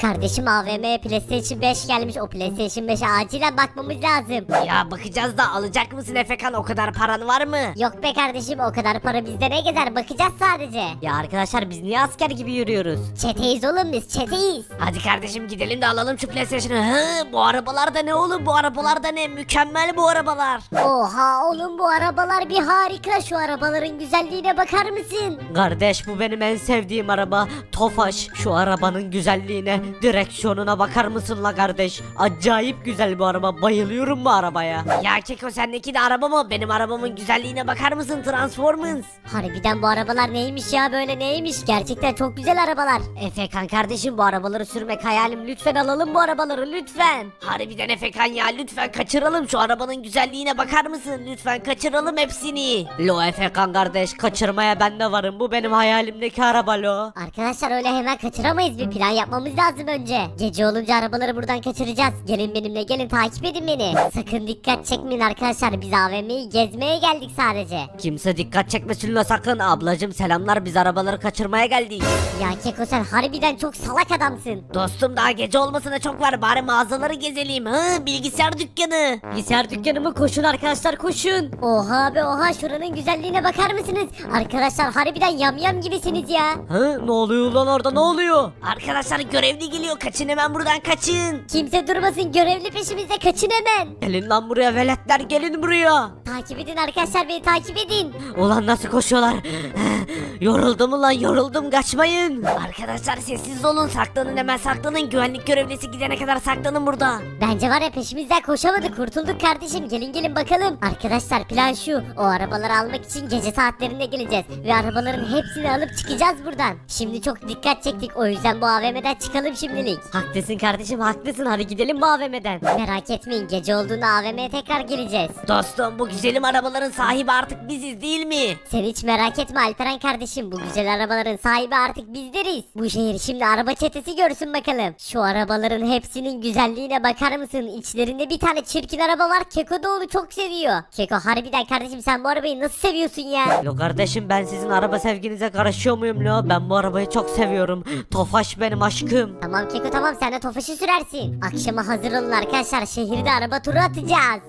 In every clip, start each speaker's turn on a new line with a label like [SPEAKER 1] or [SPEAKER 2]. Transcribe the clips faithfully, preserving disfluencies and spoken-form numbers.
[SPEAKER 1] Kardeşim A V M'ye PlayStation beş gelmiş. O PlayStation beşe acilen bakmamız lazım.
[SPEAKER 2] Ya bakacağız da alacak mısın Efekan, o kadar paran var mı?
[SPEAKER 1] Yok be kardeşim, o kadar para bizde ne gezer, bakacağız sadece.
[SPEAKER 3] Ya arkadaşlar biz niye asker gibi yürüyoruz?
[SPEAKER 1] Çeteyiz oğlum, biz çeteyiz.
[SPEAKER 2] Hadi kardeşim gidelim de alalım şu PlayStation'ı. Hı, bu arabalar da ne oğlum, bu arabalar da ne, mükemmel bu arabalar.
[SPEAKER 1] Oha oğlum, bu arabalar bir harika. Şu arabaların güzelliğine bakar mısın?
[SPEAKER 3] Kardeş bu benim en sevdiğim araba. Tofaş, şu arabanın güzelliğine, direksiyonuna bakar mısın la kardeş? Acayip güzel bu araba, bayılıyorum bu arabaya.
[SPEAKER 2] Ya Keko, sendeki de araba mı? Benim arabamın güzelliğine bakar mısın, Transformers?
[SPEAKER 1] Harbiden bu arabalar neymiş ya, böyle neymiş? Gerçekten çok güzel arabalar.
[SPEAKER 3] Efekan kardeşim bu arabaları sürmek hayalim, lütfen alalım bu arabaları lütfen.
[SPEAKER 2] Harbiden Efekan ya, lütfen kaçıralım şu arabanın güzelliğine bakar mısın? Lütfen kaçıralım hepsini.
[SPEAKER 3] Lo Efekan kardeş, kaçırmaya ben de varım, bu benim hayalimdeki araba lo.
[SPEAKER 1] Arkadaşlar öyle hemen kaçıramayız, bir plan yapmamız lazım önce. Gece olunca arabaları buradan kaçıracağız. Gelin benimle, gelin takip edin beni. Sakın dikkat çekmeyin arkadaşlar, biz A V M'yi gezmeye geldik sadece.
[SPEAKER 3] Kimse dikkat çekmesin la sakın. Ablacım selamlar, biz arabaları kaçırmaya geldik.
[SPEAKER 1] Ya Keko, sen harbiden çok salak adamsın.
[SPEAKER 2] Dostum daha gece olmasına çok var, bari mağazaları gezelim. Hı, bilgisayar dükkanı.
[SPEAKER 3] Bilgisayar dükkanı mı? Koşun arkadaşlar koşun.
[SPEAKER 1] Oha be oha, şuranın güzelliğine bakar mısınız? Arkadaşlar harbiden yamyam gibisiniz ya.
[SPEAKER 3] Hı, ne oluyor lan orada, ne oluyor?
[SPEAKER 2] Arkadaşlar görevli geliyor, kaçın hemen buradan, kaçın.
[SPEAKER 1] Kimse durmasın, görevli peşimizde, kaçın hemen.
[SPEAKER 3] Gelin lan buraya veletler, gelin buraya.
[SPEAKER 1] Takip edin arkadaşlar, beni takip edin.
[SPEAKER 3] Ulan nasıl koşuyorlar? Yoruldum ulan, yoruldum, kaçmayın.
[SPEAKER 2] Arkadaşlar sessiz olun, saklanın hemen, saklanın. Güvenlik görevlisi gidene kadar saklanın burada.
[SPEAKER 1] Bence var ya, peşimizden koşamadık, kurtulduk kardeşim. Gelin gelin bakalım. Arkadaşlar plan şu, o arabaları almak için gece saatlerinde geleceğiz. Ve arabaların hepsini alıp çıkacağız buradan. Şimdi çok dikkat çektik, o yüzden bu A V M'den çıkalım şimdilik.
[SPEAKER 3] Haklısın kardeşim, haklısın, hadi gidelim bu A V M'den.
[SPEAKER 1] Merak etmeyin, gece olduğunda A V M'ye tekrar geleceğiz.
[SPEAKER 2] Dostum bu güzelim arabaların sahibi artık biziz değil mi?
[SPEAKER 1] Sen hiç merak etme Alperen kardeşim, bu güzel arabaların sahibi artık bizleriz. Bu şehir şimdi araba çetesi görsün bakalım. Şu arabaların hepsinin güzelliğine bakar mısın? İçlerinde bir tane çirkin araba var, Keko da onu çok seviyor. Keko harbiden kardeşim, sen bu arabayı nasıl seviyorsun ya?
[SPEAKER 3] Lo kardeşim, ben sizin araba sevginize karışıyor muyum lo? Ben bu arabayı çok seviyorum. Tofaş benim aşkım.
[SPEAKER 1] Tamam Keko tamam, sen de Tofaş'ı sürersin. Akşama hazır olun arkadaşlar, şehirde araba turu atacağız.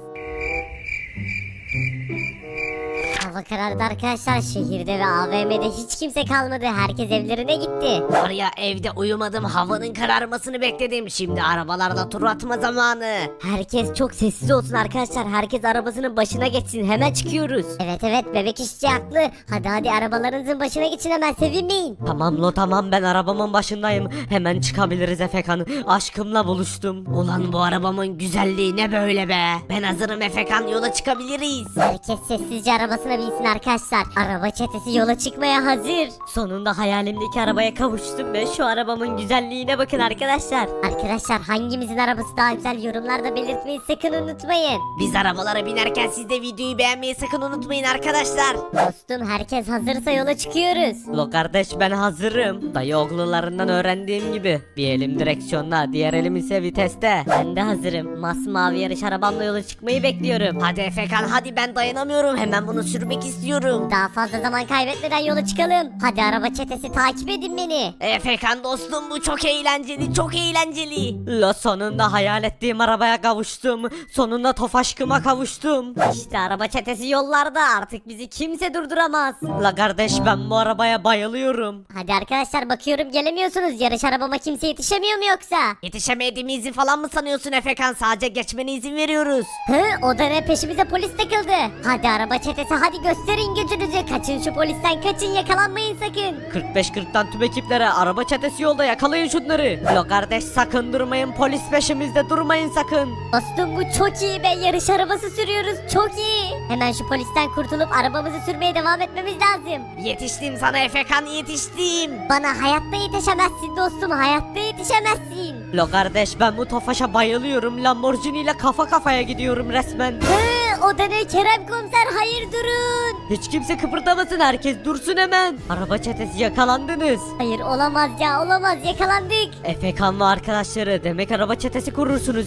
[SPEAKER 1] Hava karardı arkadaşlar, şehirde ve A V M'de hiç kimse kalmadı, herkes evlerine gitti.
[SPEAKER 2] Var ya, evde uyumadım, havanın kararmasını bekledim. Şimdi arabalarda tur atma zamanı.
[SPEAKER 3] Herkes çok sessiz olsun arkadaşlar, herkes arabasının başına geçsin, hemen çıkıyoruz.
[SPEAKER 1] Evet evet, bebek işçi haklı. Hadi hadi arabalarınızın başına geçin, hemen sevinmeyin.
[SPEAKER 3] Tamam lo tamam, ben arabamın başındayım, hemen çıkabiliriz Efekan, aşkımla buluştum.
[SPEAKER 2] Ulan bu arabamın güzelliği ne böyle be? Ben hazırım Efekan, yola çıkabiliriz.
[SPEAKER 1] Herkes sessizce arabasına binsin arkadaşlar. Araba çetesi yola çıkmaya hazır.
[SPEAKER 3] Sonunda hayalimdeki arabaya kavuştum ve şu arabamın güzelliğine bakın arkadaşlar.
[SPEAKER 1] Arkadaşlar hangimizin arabası daha güzel, yorumlarda belirtmeyi sakın unutmayın.
[SPEAKER 2] Biz arabalara binerken siz de videoyu beğenmeyi sakın unutmayın arkadaşlar.
[SPEAKER 1] Dostum herkes hazırsa yola çıkıyoruz.
[SPEAKER 3] Lo kardeş ben hazırım. Dayı oğlularından öğrendiğim gibi. Bir elim direksiyonda, diğer elim ise viteste. Ben de hazırım. Masmavi yarış arabamla yola çıkmayı bekliyorum.
[SPEAKER 2] Hadi Efekan hadi, ben dayanamıyorum, hemen bunu sürmek istiyorum.
[SPEAKER 1] Daha fazla zaman kaybetmeden yola çıkalım. Hadi araba çetesi, takip edin beni.
[SPEAKER 2] Efekan dostum, bu çok eğlenceli, çok eğlenceli.
[SPEAKER 3] La sonunda hayal ettiğim arabaya kavuştum. Sonunda Tofaşkıma kavuştum.
[SPEAKER 1] İşte araba çetesi yollarda, artık bizi kimse durduramaz.
[SPEAKER 3] La kardeş ben bu arabaya bayılıyorum.
[SPEAKER 1] Hadi arkadaşlar bakıyorum gelemiyorsunuz. Yarış arabama kimse yetişemiyor mu yoksa?
[SPEAKER 2] Yetişemediğimizi falan mı sanıyorsun Efekan? Sadece geçmene izin veriyoruz.
[SPEAKER 1] Hı, o da ne, peşimize polis takıldı. Hadi araba çetesi, hadi gösterin gücünüzü. Kaçın şu polisten, kaçın, yakalanmayın sakın.
[SPEAKER 3] kırk beş kırktan tüm ekiplere, araba çetesi yolda, yakalayın şunları. La kardeş sakın durmayın, polis peşimizde, durmayın sakın.
[SPEAKER 1] Dostum bu çok iyi be, yarış arabası sürüyoruz, çok iyi. Hemen şu polisten kurtulup arabamızı sürmeye devam etmemiz lazım.
[SPEAKER 2] Yetiştim sana Efekan, yetiştim.
[SPEAKER 1] Bana hayatta yetişemezsin dostum, hayatta yetişemezsin.
[SPEAKER 3] La kardeş ben bu Tofaş'a bayılıyorum. Lamborghini ile kafa kafaya gidiyorum resmen.
[SPEAKER 1] Hı, o da ne Kerem komiser, hayır durun.
[SPEAKER 3] Hiç kimse kıpırdamasın, herkes dursun hemen. Araba çetesi yakalandınız.
[SPEAKER 1] Hayır olamaz ya, olamaz, yakalandık.
[SPEAKER 3] Efekan ve arkadaşları, demek araba çetesi kurursunuz he?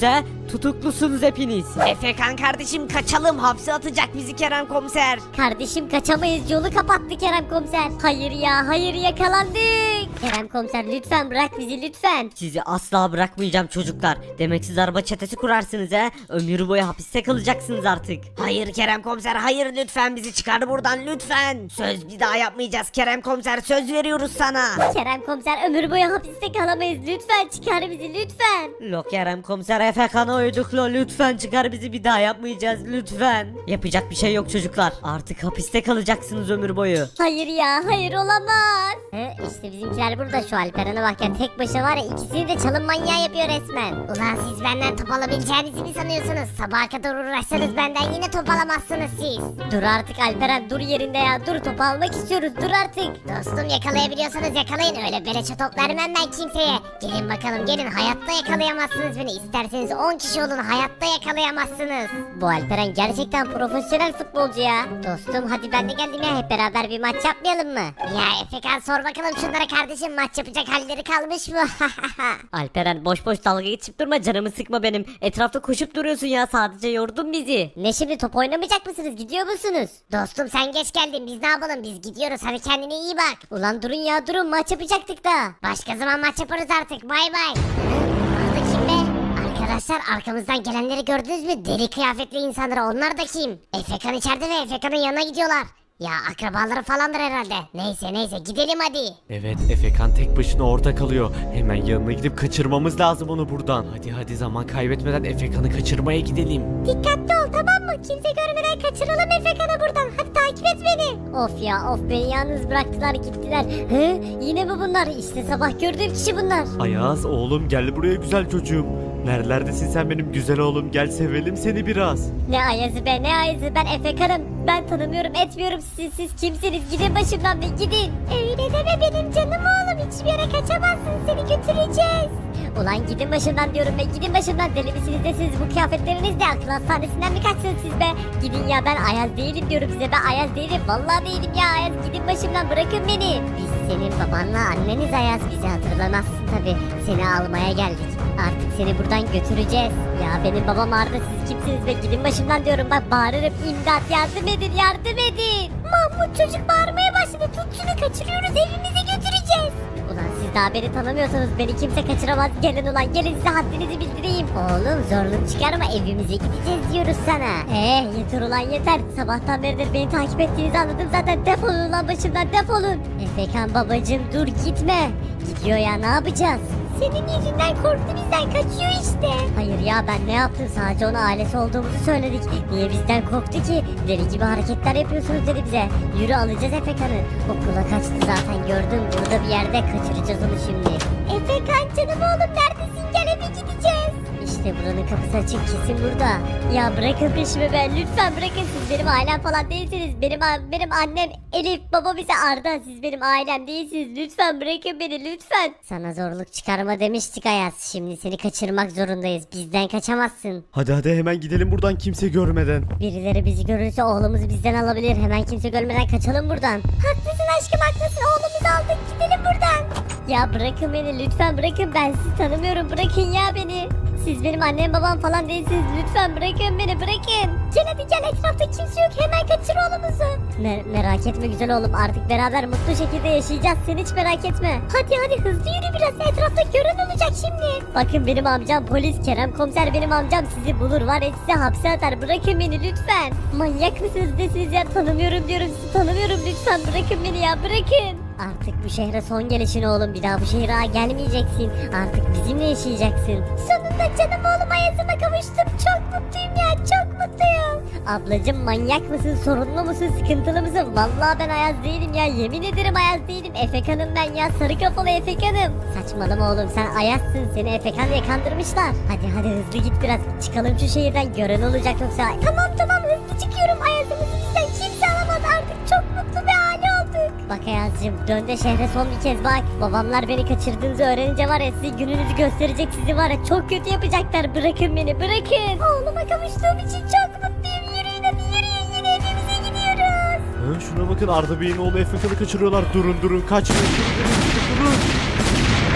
[SPEAKER 3] Tutuklusunuz hepiniz.
[SPEAKER 2] Efekan kardeşim kaçalım, hapse atacak bizi Kerem komiser.
[SPEAKER 1] Kardeşim kaçamayız, yolu kapattı Kerem komiser. Hayır ya, hayır, yakalandık. Kerem komiser lütfen bırak bizi lütfen.
[SPEAKER 3] Sizi asla bırakmayacağım çocuklar. Demek siz araba çetesi kurarsınız he? Ömür boyu hapiste kalacaksınız artık.
[SPEAKER 2] Hayır Kerem komiser, hayır, lütfen bizi çıkar buradan lütfen. Söz bir daha yapmayacağız Kerem komiser, söz veriyoruz sana.
[SPEAKER 1] Kerem komiser ömür boyu hapiste kalamayız, lütfen çıkar bizi lütfen.
[SPEAKER 3] Lo Kerem komiser Efekan'a uyduk lo, lütfen çıkar bizi, bir daha yapmayacağız lütfen. Yapacak bir şey yok çocuklar. Artık hapiste kalacaksınız ömür boyu.
[SPEAKER 1] Hayır ya, hayır olamaz. He, işte bizimkiler burada, şu Alperen'e bak ya, tek başına var ya, ikisini de çalım manyağı yapıyor resmen.
[SPEAKER 4] Ulan siz benden top alabileceğinizi mi sanıyorsunuz? Sabaha kadar uğraşsanız benden yine top alamazsınız siz.
[SPEAKER 1] Dur artık Alperen, dur yerinde ya, dur, topu almak istiyoruz, dur artık.
[SPEAKER 4] Dostum yakalayabiliyorsanız yakalayın, öyle beleşe top vermem ben kimseye. Gelin bakalım gelin, hayatta yakalayamazsınız beni. İsterseniz on kişi olun, hayatta yakalayamazsınız.
[SPEAKER 1] Bu Alperen gerçekten profesyonel futbolcu ya. Dostum hadi ben de geldim ya, hep beraber bir maç yapmayalım mı?
[SPEAKER 4] Ya Efekan sor bakalım şunlara kardeşim, maç yapacak halleri kalmış mı?
[SPEAKER 3] Alperen boş boş dalga geçip durma, canımı sıkma benim. Etrafta koşup duruyorsun ya, sadece yordun bizi.
[SPEAKER 1] Ne şimdi, top oynamayacak mısınız, gidiyor musunuz?
[SPEAKER 4] Dostum sen geç geldin, biz ne yapalım, biz gidiyoruz, hadi kendine iyi bak.
[SPEAKER 1] Ulan durun ya, durun, maç yapacaktık da.
[SPEAKER 4] Başka zaman maç yaparız artık, bay bay. Burada kim be? Arkadaşlar arkamızdan gelenleri gördünüz mü? Deli kıyafetli insanlar, onlar da kim? Efekan içeride ve Efekan'ın yanına gidiyorlar. Ya akrabaları falandır herhalde. Neyse neyse gidelim hadi.
[SPEAKER 5] Evet, Efekan tek başına orada kalıyor. Hemen yanına gidip kaçırmamız lazım onu buradan. Hadi hadi zaman kaybetmeden Efekan'ı kaçırmaya gidelim.
[SPEAKER 4] Dikkatli ol tamam mı? Kimse görmeden kaçıralım Efekan'ı buradan. Hadi takip et beni.
[SPEAKER 1] Of ya, of, beni yalnız bıraktılar gittiler. Hı? Yine mi bunlar? İşte sabah gördüğüm kişi bunlar.
[SPEAKER 5] Ayaz oğlum gel buraya güzel çocuğum. Nerelerdesin sen benim güzel oğlum, gel sevelim seni biraz.
[SPEAKER 1] Ne Ayaz'ı be, ne Ayaz'ı, ben Efekan'ım. Ben tanımıyorum etmiyorum siz, siz kimsiniz, gidin başımdan be, gidin.
[SPEAKER 4] Öyle deme benim canım oğlum. Hiçbir yere kaçamazsın, seni götüreceğiz.
[SPEAKER 1] Ulan gidin başımdan diyorum be, gidin başımdan, deli misiniz de siz, bu kıyafetlerinizle akıl hastanesinden mi kaçsınız siz be? Gidin ya, ben Ayaz değilim diyorum size, ben Ayaz değilim, vallahi değilim ya Ayaz, gidin başımdan, bırakın beni. Biz senin babanla anneniz Ayaz, bizi hatırlamazsın tabi, seni almaya geldik. Artık seni buradan götüreceğiz. Ya benim babam Arda, siz kimsiniz be, gidin başımdan diyorum, bak bağırırım, imdat, yardım edin, yardım edin.
[SPEAKER 4] Mahmut çocuk bağırmaya başladı. Tut şunu, kaçırıyoruz, evimize götüreceğiz.
[SPEAKER 1] Ulan siz daha beni tanımıyorsanız beni kimse kaçıramaz, gelin ulan gelin, size haddinizi bildireyim. Oğlum zorluk çıkarma, evimize gideceğiz diyoruz sana. Eh yeter ulan yeter, sabahtan beridir beni takip ettiğinizi anladım zaten, defolun ulan başımdan, defolun. Efekan babacım dur gitme. Gidiyor ya, ne yapacağız?
[SPEAKER 4] Senin yüzünden korktu bizden, kaçıyor işte.
[SPEAKER 1] Hayır ya, ben ne yaptım, sadece ona ailesi olduğumuzu söyledik. Niye bizden korktu ki? Deli gibi hareketler yapıyorsunuz dedi bize. Yürü alacağız Efekan'ı. Okula kaçtı zaten, gördüm, burada bir yerde, kaçıracağız onu şimdi.
[SPEAKER 4] Efekan canım oğlum, neredesin, gel eve gideceğiz.
[SPEAKER 1] İşte buranın kapısı açık, kesin burada. Ya bırakın peşimi be, lütfen bırakın, siz benim ailem falan değilsiniz. Benim benim annem Elif, babam ise Arda, siz benim ailem değilsiniz. Lütfen bırakın beni, lütfen. Sana zorluk çıkarma demiştik Ayaz, şimdi seni kaçırmak zorundayız, bizden kaçamazsın.
[SPEAKER 5] Hadi hadi hemen gidelim buradan kimse görmeden.
[SPEAKER 1] Birileri bizi görürse oğlumuzu bizden alabilir, hemen kimse görmeden kaçalım buradan.
[SPEAKER 4] Haklısın aşkım, haklısın, oğlumuzu aldık, gidelim buradan.
[SPEAKER 1] Ya bırakın beni, lütfen bırakın, ben sizi tanımıyorum, bırakın ya beni. Siz benim annem babam falan değilsiniz, lütfen bırakın beni, bırakın.
[SPEAKER 4] Gel hadi gel, etrafta kimse yok, hemen kaçır oğlumuzu.
[SPEAKER 1] Me- merak etme güzel oğlum, artık beraber mutlu şekilde yaşayacağız, sen hiç merak etme.
[SPEAKER 4] Hadi hadi hızlı yürü biraz, etrafta gören olacak şimdi.
[SPEAKER 1] Bakın benim amcam polis, Kerem komiser benim amcam, sizi bulur var ya, size hapse atar, bırakın beni lütfen. Manyak mısınız desiniz ya, tanımıyorum diyorum, sizi tanımıyorum, lütfen bırakın beni ya, bırakın. Artık bu şehre son gelişin oğlum, bir daha bu şehre gelmeyeceksin, artık bizimle yaşayacaksın.
[SPEAKER 4] Sonunda canım oğlum Ayaz'ıma kavuştum, çok mutluyum ya, çok mutluyum.
[SPEAKER 1] Ablacım manyak mısın, sorunlu musun, sıkıntılı mısın? Vallahi ben Ayaz değilim ya, yemin ederim Ayaz değilim, Efekan'ım ben ya, sarı kafalı Efekan'ım. Saçmalama oğlum, sen Ayaz'sın, seni Efekan diye kandırmışlar. Hadi hadi hızlı git biraz, çıkalım şu şehirden, gören olacak yoksa.
[SPEAKER 4] Tamam tamam hızlı çıkıyorum, Ayaz'ımızı bizden kimse alamaz, artık çok mutlu bir aile olduk.
[SPEAKER 1] Bak Ayaz'cığım, dön de şehre son bir kez bak. Babamlar beni kaçırdığınızı öğrenince var ya, size gününüzü gösterecek, sizi var ya çok kötü yapacaklar, bırakın beni, bırakın.
[SPEAKER 4] Oğluma kavuştuğum için çok mutluyum, yürüyün hadi yürüyün, yine evimize gidiyoruz.
[SPEAKER 5] Ha, şuna bakın, Arda Bey'in oğlu Efekan'ı kaçırıyorlar. Durun durun, kaçmayın. Durun, durun, durun. Kaçmayın, hiçbir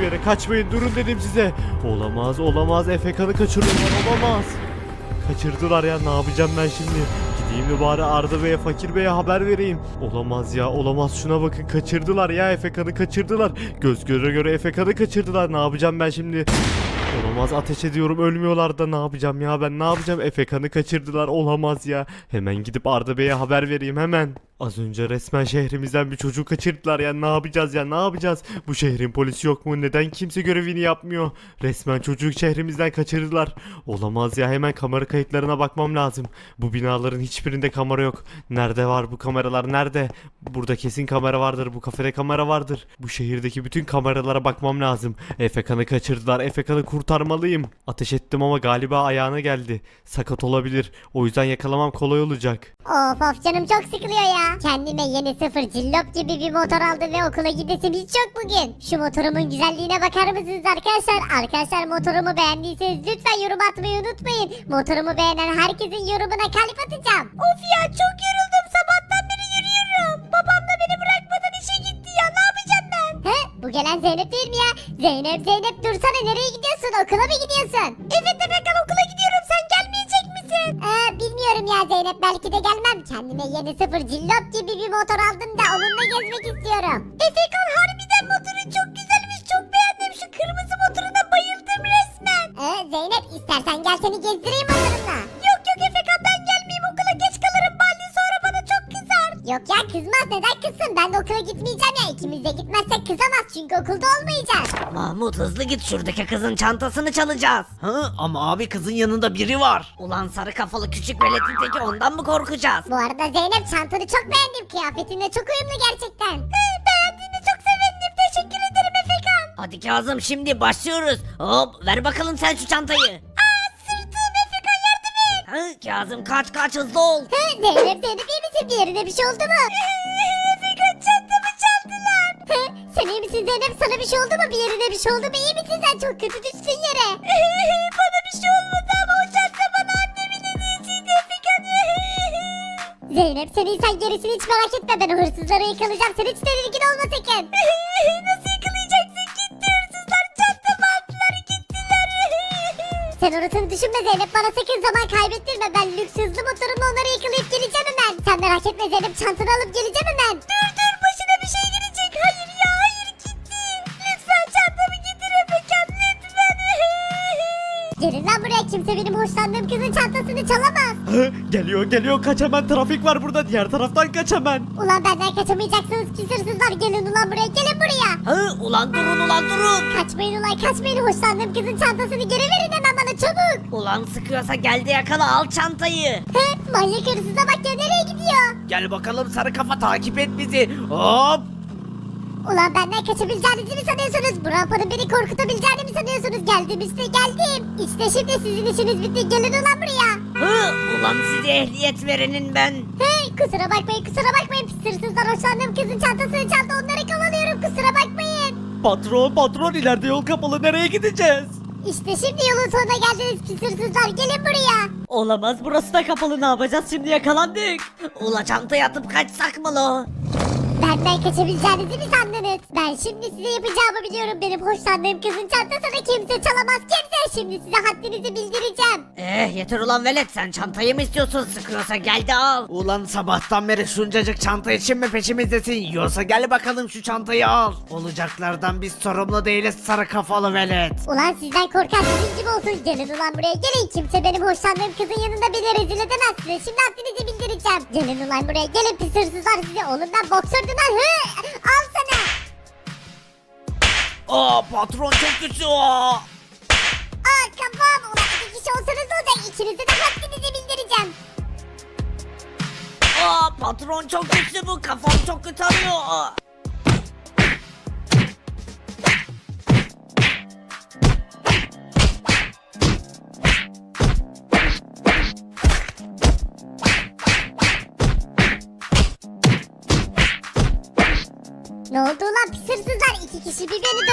[SPEAKER 5] hiçbir yere kaçmayın durun dedim size. Olamaz olamaz Efekan'ı kaçırıyorlar olamaz. Kaçırdılar ya ne yapacağım ben şimdi? Gideyim de bari Arda Bey'e Fakir Bey'e haber vereyim. Olamaz ya olamaz şuna bakın kaçırdılar ya Efekan'ı kaçırdılar. Göz göre göre Efekan'ı kaçırdılar ne yapacağım ben şimdi? Olamaz ateş ediyorum ölmüyorlar da ne yapacağım ya ben ne yapacağım Efekan'ı kaçırdılar olamaz ya. Hemen gidip Arda Bey'e haber vereyim hemen. Az önce resmen şehrimizden bir çocuğu kaçırdılar ya ne yapacağız ya ne yapacağız? Bu şehrin polisi yok mu? Neden kimse görevini yapmıyor? Resmen çocuğu şehrimizden kaçırdılar. Olamaz ya hemen kamera kayıtlarına bakmam lazım. Bu binaların hiçbirinde kamera yok. Nerede var bu kameralar nerede? Burada kesin kamera vardır bu kafede kamera vardır. Bu şehirdeki bütün kameralara bakmam lazım. Efekan'ı kaçırdılar Efekan'ı kurtarmalıyım. Ateş ettim ama galiba ayağına geldi. Sakat olabilir. O yüzden yakalamam kolay olacak.
[SPEAKER 4] Of of canım çok sıkılıyor ya. Kendime yeni sıfır cillop gibi bir motor aldım ve okula gidesim hiç yok bugün. Şu motorumun güzelliğine bakar mısınız arkadaşlar? Arkadaşlar motorumu beğendiyseniz lütfen yorum atmayı unutmayın. Motorumu beğenen herkesin yorumuna kalp atacağım. Of ya çok yoruldum sabahtan beri yürüyorum. Babam da beni bırakmadan işe gitti ya ne yapacağım ben? He bu gelen Zeynep değil mi ya? Zeynep Zeynep dursana nereye gidiyorsun okula mı gidiyorsun? Evet Efekan okula gidiyorum sen gelmeyecek misin? Ee, bilmiyorum ya Zeynep belki de gelmem. Kendime yeni sıfır cillop gibi bir motor aldım da onunla gezmek istiyorum. Efekan harbiden motorun çok güzelmiş çok beğendim şu kırmızı motoruna bayıldım resmen. Ee, Zeynep istersen gel seni gezdireyim motorumla. Yok yok Efekan ben gelmeyeyim okula geç kalırım Baldi sonra bana çok kızar. Yok ya kızmaz neden kızsın ben de okula gitmeyeceğim ya ikimiz de gitmezsek kızamaz çünkü okulda olmayacağız.
[SPEAKER 2] Mahmut hızlı git şuradaki kızın çantasını çalacağız.
[SPEAKER 6] Ha, ama abi kızın yanında biri var.
[SPEAKER 2] Ulan sarı kafalı küçük veletin teki ondan mı korkacağız?
[SPEAKER 4] Bu arada Zeynep çantanı çok beğendim kıyafetinle çok uyumlu gerçekten. Beğendiğine çok sevindim teşekkür ederim Efekan.
[SPEAKER 2] Hadi Kazım şimdi başlıyoruz. Hop ver bakalım sen şu çantayı.
[SPEAKER 4] Aa sırtım Efekan yardım et.
[SPEAKER 2] Ha, Kazım kaç kaç hızlı ol.
[SPEAKER 4] Hı, Zeynep Zeynep iyi misin bir yerine bir şey oldu mu? Efekan çantamı çaldılar. Hı, sen iyi misin Zeynep sana bir şey oldu mu bir yerine bir şey oldu mu iyi misin sen çok kötü düştün yere. Bana bir şey olmadı ama o çanta bana annemin hediyesiydi Efekan. Zeynep sen iyi sen gerisini hiç merak etme ben o hırsızları yakalayacağım sen hiç tedirgin olma sakın. Nasıl yakalayacaksın gitti hırsızlar çantamı aldılar gittiler. Sen orasını düşünme Zeynep bana sakın zaman kaybettirme ben lüks hızlı motorumla onları yakalayıp geleceğim hemen. Sen merak etme Zeynep çantanı alıp geleceğim hemen. Dur dur başına bir şey gelecek hayır ya hayır gitti. Lütfen çantamı getir Efekan lütfen. Gelin lan buraya kimse benim hoşlandığım kızın çantasını çalamaz.
[SPEAKER 5] Hı, geliyor geliyor kaç hemen trafik var burada diğer taraftan kaç hemen.
[SPEAKER 4] Ulan benden kaçamayacaksınız pis hırsızlar gelin ulan buraya gelin buraya.
[SPEAKER 2] Ha, ulan durun ulan durun.
[SPEAKER 4] Kaçmayın ulan kaçmayın hoşlandığım kızın çantasını geri verin hemen bana çabuk.
[SPEAKER 2] Ulan sıkıyorsa geldi yakala al çantayı.
[SPEAKER 4] He manyak hırsıza bak ya nereye gidiyor?
[SPEAKER 6] Gel bakalım sarı kafa takip et bizi. Hop.
[SPEAKER 4] Ulan benden kaçabileceğinizi mi sanıyorsunuz? Bu rampanın beni korkutabileceğini mi sanıyorsunuz? Geldim işte geldim. İşte şimdi sizin işiniz bitti gelin ulan buraya.
[SPEAKER 2] Ha, ulan size ehliyet verenin ben.
[SPEAKER 4] Hey kusura bakmayın kusura bakmayın pis hırsızlar hoşlandığım kızın çantasını çaldı onları kovalıyorum kusura bakmayın.
[SPEAKER 5] Patron patron ileride yol kapalı nereye gideceğiz?
[SPEAKER 4] İşte şimdi yolun sonuna geldiniz pis hırsızlar gelin buraya.
[SPEAKER 3] Olamaz burası da kapalı ne yapacağız şimdi yakalandık.
[SPEAKER 2] Ula çantayı atıp kaçsak mı lo?
[SPEAKER 4] Benden kaçabileceğinizi mi sandınız? Ben şimdi size yapacağımı biliyorum. Benim hoşlandığım kızın çantasını kimse çalamaz kimse. Şimdi size haddinizi bildireceğim.
[SPEAKER 2] Eh yeter ulan velet sen çantayı mı istiyorsun sıkıyorsa gel de al.
[SPEAKER 6] Ulan sabahtan beri şuncacık çanta için mi peşimizdesin? Yoksa gel bakalım şu çantayı al. Olacaklardan biz sorumlu değiliz sarı kafalı velet.
[SPEAKER 4] Ulan sizden korkan sizin gibi olsun. Gelin ulan buraya gelin. Kimse benim hoşlandığım kızın yanında beni rezil edemez size. Şimdi haddinizi bildireceğim. Gelin ulan buraya gelin pis hırsızlar size. Oğlum ben boksördüm lan. Hı! Al sana.
[SPEAKER 6] Aa patron çok güçlü o.
[SPEAKER 4] Aa kafam. Ulan iki kişi olsanız ne olacak? İkinize de haddinizi bildireceğim.
[SPEAKER 2] Aa patron çok güçlü bu kafam çok kötü arıyor.
[SPEAKER 4] Ne oldu ulan pis hırsızlar? İki kişi bir beni dövemediniz.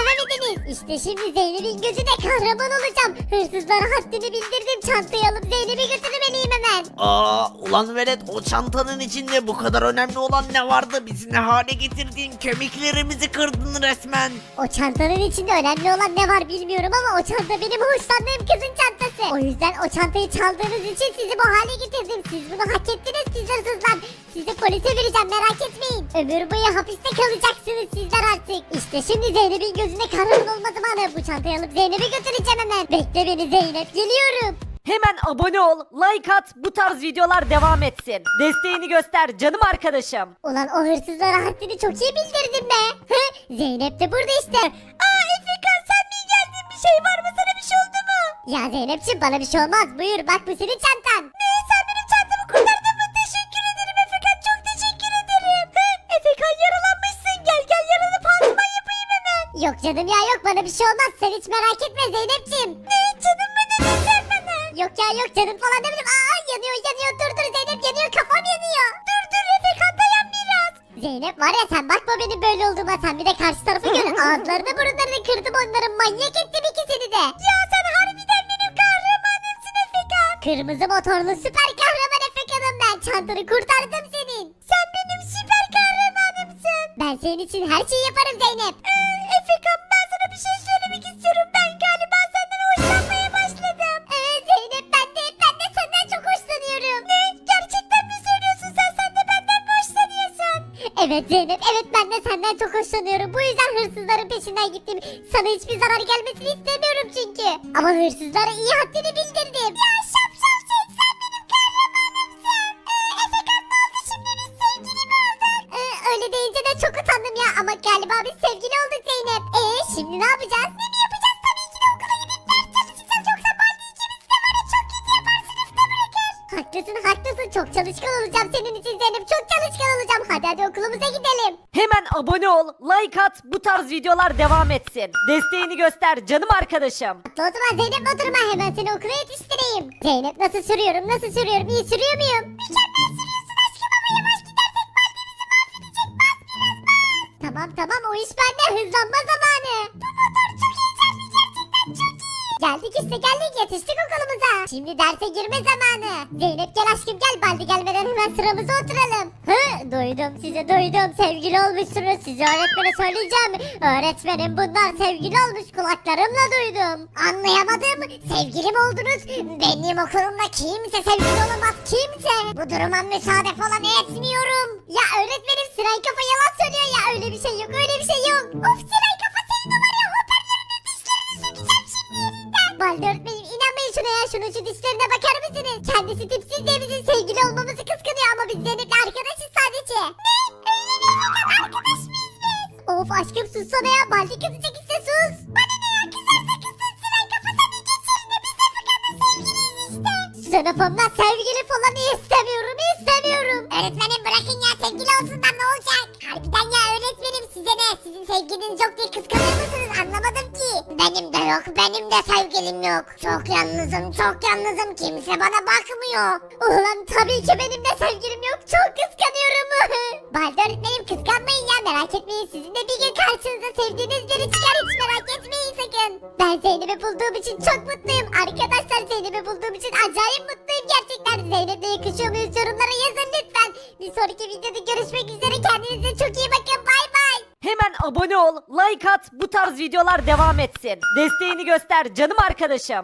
[SPEAKER 4] miyiz? İşte şimdi Zeynep'in gözüne kahraman olacağım. Hırsızlara haddini bildirdim. Çantayı alıp Zeynep'i götürmeliyim hemen.
[SPEAKER 6] Aa ulan velet, o çantanın içinde bu kadar önemli olan ne vardı? Bizi ne hale getirdin? Kemiklerimizi kırdın resmen.
[SPEAKER 4] O çantanın içinde önemli olan ne var bilmiyorum ama o çanta benim hoşlandığım kızın çantası. O yüzden o çantayı çaldığınız için sizi bu hale getirdim. Siz bunu hak ettiniz siz hırsızlar. Sizi polise vereceğim merak etmeyin. Ömür boyu hapiste kalacaksınız sizler artık. İşte şimdi Zeynep'in gözüne kahraman olma zamanı. Bu çantayı alıp Zeynep'i götüreceğim hemen. Bekle beni Zeynep, geliyorum.
[SPEAKER 3] Hemen abone ol, like at, bu tarz videolar devam etsin. Desteğini göster canım arkadaşım.
[SPEAKER 4] Ulan o hırsızlara haddini çok iyi bildirdim be. Hı? Zeynep de burada işte. Aa Efekan sen mi geldin, bir şey var mı, sana bir şey oldu mu? Ya Zeynepciğim bana bir şey olmaz, buyur bak bu senin çantan. Ne, sen benim çantamı kurtardın mı? Teşekkür ederim Efekan, çok teşekkür ederim. Hı? Efekan yaralanmışsın, gel gel yaralı pansuman yapayım hemen. Yok canım ya yok, bana bir şey olmaz, sen hiç merak etme Zeynepciğim. Ne canım mı dedin sen bana? Yok ya yok canım falan demedim. Aa yanıyor yanıyor, dur dur Zeynep yanıyor, kafam yanıyor. Dur dur Efekan dayan biraz. Zeynep var ya sen bakma benim böyle olduğuma, sen bir de karşı tarafı gör. Ağızlarını burunlarını kırdım onların, manyak ettim ikisini de. Ya sen harbiden benim kahramanımsın Efekan. Kırmızı motorlu süper kahraman Efekan'ım ben, çantanı kurtardım senin. Sen benim süper kahramanımsın. Ben senin için her şeyi yaparım Zeynep. Ee, Efekan ben sana bir şey söylemek istiyorum, ben galiba senden hoşlanmaya başladım. Evet Zeynep ben de, ben de senden çok hoşlanıyorum. Ne? Gerçekten mi söylüyorsun sen, sen de benden mi hoşlanıyorsun? Evet Zeynep, evet ben de senden çok hoşlanıyorum. Bu yüzden hırsızların peşinden gittim. Sana hiçbir zarar gelmesini istemiyorum çünkü. Ama hırsızlara iyi haddini bildirdim. Ya şapşal şey, sen benim kahramanımsın. Ee, Efekan ne oldu şimdi, biz sevgili mi olduk? Ee, öyle deyince de çok utandım ya, ama galiba biz sevgili olduk Zeynep. Ee şimdi ne yapacağız? Ne mi yapacağız? Tabii ki de okula gidip ders çalışacağız, yoksa Baldi ikimiz de var ya çok kötü yapar, sınıfta bırakır. Haklısın haklısın, çok çalışkan olacağım senin için Zeynep, çok çalışkan olacağım. Hadi hadi okulumuza gidelim.
[SPEAKER 3] Hemen abone ol, like at, bu tarz videolar devam etsin. Desteğini göster canım arkadaşım.
[SPEAKER 4] O zaman Zeynep oturma, hemen seni okula yetiştireyim. Zeynep nasıl sürüyorum nasıl sürüyorum, iyi sürüyor muyum? Mükemmel sürüyorsun aşkım, ama yavaş gidersek Baldi bizi mahvedecek, bas biraz bas. Tamam tamam o iş bende, hızlanma zamanı. Bu motor çok heyecanlı, gerçekten çok iyi. Geldik işte geldik, yetiştik okulumuza. Şimdi derse girme zamanı. Zeynep gel aşkım gel, Baldi gelmeden hemen sıramıza oturalım. Hı duydum sizi duydum, sevgili olmuşsunuz, size öğretmene söyleyeceğim. Öğretmenim bunlar sevgili olmuş, kulaklarımla duydum. Anlayamadım, sevgili mi oldunuz? Benim okulumda kimse sevgili olamaz, kimse. Bu duruma müsaade falan etmiyorum. Ya öğretmenim Siren Kafa yalan söylüyor ya, öyle bir şey yok öyle bir şey yok. Of Siren Kafa senin o var ya hoparlörünü dişlerini sökeceğim şimdi yerinden. Baldi öğretmenim inanmayın şuna ya, şunun şu dişlerine bakar mısınız? Kendisi tipsiz diye bizim sevgili olmamızı kıskanıyor ama biz Zeynep'le arkadaşız sadece. Ne? Öyle mi? Fakat arkadaş mıyız biz? Of aşkım sussana ya, Baldi kızacak işte sus. Bana ne ya, kızarsa kızsın Siren Kafa, sen de geç yerine, biz de Fakan'la sevgiliyiz işte. Sınıfımda sevgili falan istemiyorum istemiyorum. Öğretmenim bırakın ya, sevgili olsunlar ne olacak? Harbiden ya öğretmenim, size ne? Sizin sevgiliniz yok diye kıskanıyor musunuz? Anlamadım ki. Benim de yok, benim de sevgilim yok. Çok yalnızım, çok yalnızım. Kimse bana bakmıyor. Ulan tabii ki benim de sevgilim yok. Çok kıskanıyorum. Baldi öğretmenim kıskanmayın ya, merak etmeyin. Sizin de bir gün karşınıza sevdiğiniz biri çıkar, hiç merak etmeyin sakın. Ben Zeynep'i bulduğum için çok mutluyum. Arkadaşlar Zeynep'i bulduğum için acayip mutluyum gerçekten. Zeynep'le yakışıyor muyuz? Yorumlara yazın lütfen. Bir sonraki videoda görüşmek üzere. Kendinize çok iyi bakın. Bay bay.
[SPEAKER 3] Hemen abone ol, like at, bu tarz videolar devam etsin. Desteğini göster canım arkadaşım.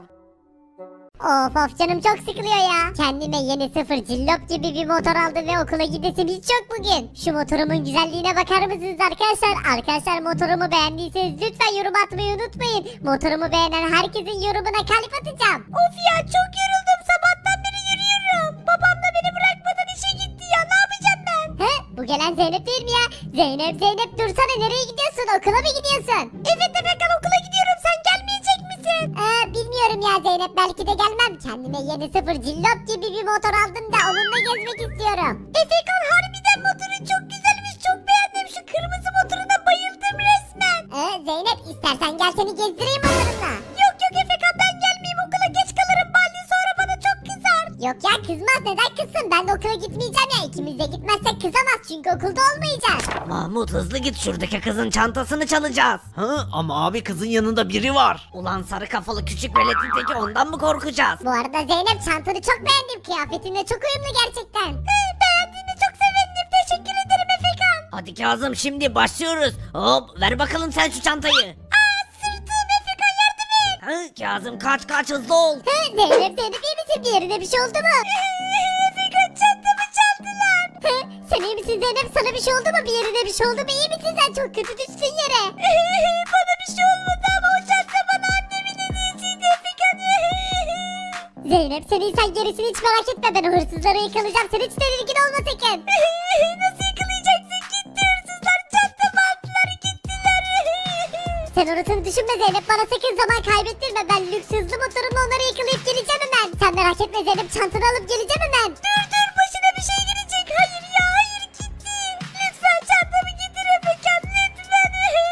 [SPEAKER 4] Of of canım çok sıkılıyor ya. Kendime yeni sıfır cillop gibi bir motor aldım ve okula gidesim hiç yok bugün. Şu motorumun güzelliğine bakar mısınız arkadaşlar? Arkadaşlar motorumu beğendiyseniz lütfen yorum atmayı unutmayın. Motorumu beğenen herkesin yorumuna kalp atacağım. Of ya çok yoruldum, sabahtan beri yürüyorum. Babam da beni bırakmadan işe gitti ya, ne yapacağım ben? He? Bu gelen Zeynep değil mi ya? Zeynep Zeynep dursana, nereye gidiyorsun? Okula mı gidiyorsun? Evet Efekan okula gidiyorum, sen gelmeyecek misin? Ee, bilmiyorum ya Zeynep, belki de gelmem. Kendime yeni sıfır cillop gibi bir motor aldım da onunla gezmek istiyorum. Efekan harbiden motorun çok güzelmiş, çok beğendim. Şu kırmızı motoruna bayıldım resmen. Ee, Zeynep istersen gel seni gezdireyim motorunla. Yok yok Efekan ben gelmeyeyim, okula geç kalırım, Baldi sonra bana çok kızar. Yok ya Ya kızmaz, neden kızsın? Ben de okula gitmeyeceğim ya. İkimiz de gitmezsek kızamaz çünkü okulda olmayacağız.
[SPEAKER 2] Mahmut hızlı git, şuradaki kızın çantasını çalacağız.
[SPEAKER 6] Hı, ama abi kızın yanında biri var.
[SPEAKER 2] Ulan sarı kafalı küçük veletin teki, ondan mı korkacağız?
[SPEAKER 4] Bu arada Zeynep, çantanı çok beğendim. Kıyafetinle çok uyumlu gerçekten. Beğendiğine çok sevindim. Teşekkür ederim Efekan.
[SPEAKER 2] Hadi Kazım, şimdi başlıyoruz. Hop, ver bakalım sen şu çantayı.
[SPEAKER 4] Aa, sırtım Efekan, yardım et.
[SPEAKER 2] Hı, Kazım kaç kaç, hızlı ol.
[SPEAKER 4] Hı, Zeynep, Zeynep iyi misin? Bir yerine bir şey oldu mu? Efekan, çantamı çaldılar. Hı, sen iyi misin Zeynep? Sana bir şey oldu mu? Bir yerine bir şey oldu mu? İyi misin sen? Çok kötü düştün yere. Bana bir şey olmadı ama o çanta bana annemin hediyesiydi Efekan. Zeynep, sen iyi, sen gerisini hiç merak etme. Ben o hırsızları yakalayacağım. Sen hiç tedirgin olma sakın. Nasıl yakalayacaksın? Gitti hırsızlar. Çantamı aldılar, gittiler. Sen orasını düşünme Zeynep. Bana sakın zaman kaybettirme. Ben lüks hızlı motorumla onları yakalayıp geleceğim hemen. Sen merak etme Zeynep. Çantanı alıp geleceğim hemen. Dur dur, başına bir şey gelecek. Hayır ya, hayır, gitti. Lütfen çantamı getir Efekan, lütfen.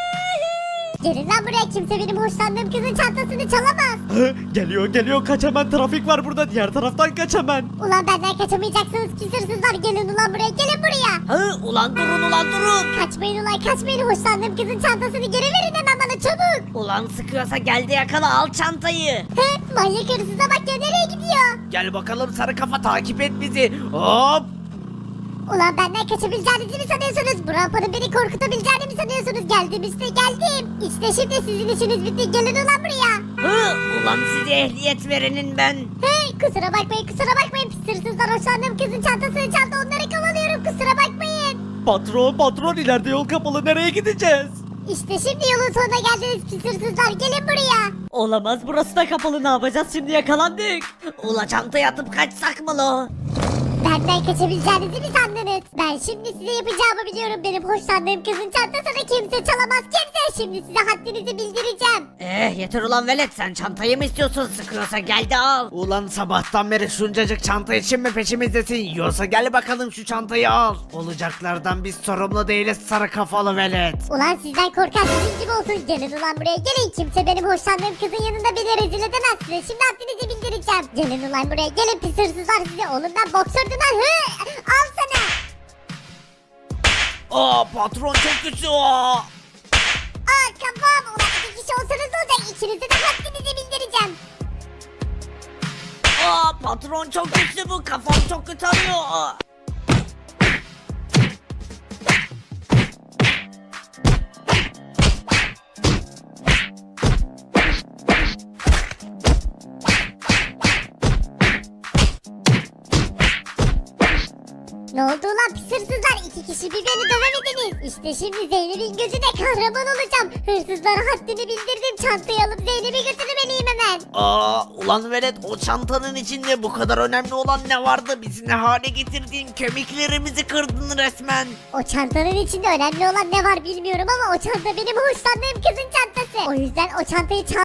[SPEAKER 4] Gelin lan buraya. Kimse benim hoşlandığım kızın çantasını çalamaz.
[SPEAKER 5] Hı, geliyor geliyor, kaç hemen, trafik var burada, diğer taraftan kaç hemen.
[SPEAKER 4] Ulan benden kaçamayacaksınız pis hırsızlar. Gelin ulan buraya, gelin buraya.
[SPEAKER 2] Hı, ulan durun ulan durun.
[SPEAKER 4] Kaçmayın ulan, kaçmayın. Hoşlandığım kızın çantasını geri verin hemen bana, çabuk.
[SPEAKER 2] Ulan sıkıyorsa gel de yakala, al çantayı.
[SPEAKER 4] He, manyak hırsıza bak ya, nereye gidiyor?
[SPEAKER 6] Gel bakalım sarı kafa, takip et bizi. Hop.
[SPEAKER 4] Ulan benden kaçabileceğinizi mi sanıyorsunuz? Bu rampanın beni korkutabileceğini mi sanıyorsunuz? Geldim işte, geldim. İşte şimdi sizin işiniz bitti. Gelin ulan buraya.
[SPEAKER 2] Hı, ulan size ehliyet verenin ben.
[SPEAKER 4] Hey, kusura bakmayın, kusura bakmayın. Pis hırsızlar hoşlandığım kızın çantasını çaldı. Onları kovalıyorum, kusura bakmayın.
[SPEAKER 5] Patron patron, ileride yol kapalı, nereye gideceğiz?
[SPEAKER 4] İşte şimdi yolun sonuna geldiniz pis hırsızlar. Gelin buraya.
[SPEAKER 3] Olamaz, burası da kapalı, ne yapacağız şimdi, yakalandık.
[SPEAKER 2] Ula çantayı atıp kaçsak mı lo?
[SPEAKER 4] Benden kaçabileceğinizi mi sandınız? Ben şimdi size yapacağımı biliyorum. Benim hoşlandığım kızın çantasını kimse çalamaz, kimse. Şimdi size haddinizi bildireceğim.
[SPEAKER 2] Eh yeter ulan velet, sen çantayı mı istiyorsun? Sıkıyorsa gel de al.
[SPEAKER 6] Ulan sabahtan beri şuncacık çanta için mi peşimizdesin? Yoksa gel bakalım şu çantayı al. Olacaklardan biz sorumlu değiliz sarı kafalı velet.
[SPEAKER 4] Ulan sizden korkan sizin gibi olsun. Gelin ulan buraya, gelin. Kimse benim hoşlandığım kızın yanında beni rezil edemez size. Şimdi haddinizi bildireceğim. Gelin ulan buraya, gelin pis hırsızlar size. Oğlum ben boksördüm lan. Hı! Al sana.
[SPEAKER 6] Aa patron çok güçlü o.
[SPEAKER 4] Aa kafam. Ulan iki kişi olsanız ne olacak? İkinize de haddinizi bildireceğim.
[SPEAKER 2] Aa patron çok güçlü bu, kafam çok kötü arıyor.
[SPEAKER 4] Ne oldu ulan pis hırsızlar? İki kişi bir beni dövemediniz. İşte şimdi Zeynep'in gözüne kahraman olacağım. Hırsızlara haddini bildirdim. Çantayı alıp Zeynep'i götürmeliyim hemen.
[SPEAKER 6] Aa ulan velet, o çantanın içinde bu kadar önemli olan ne vardı? Bizi ne hale getirdin? Kemiklerimizi kırdın resmen.
[SPEAKER 4] O çantanın içinde önemli olan ne var bilmiyorum ama o çanta benim hoşlandığım kızın çantası. O yüzden o çantayı çal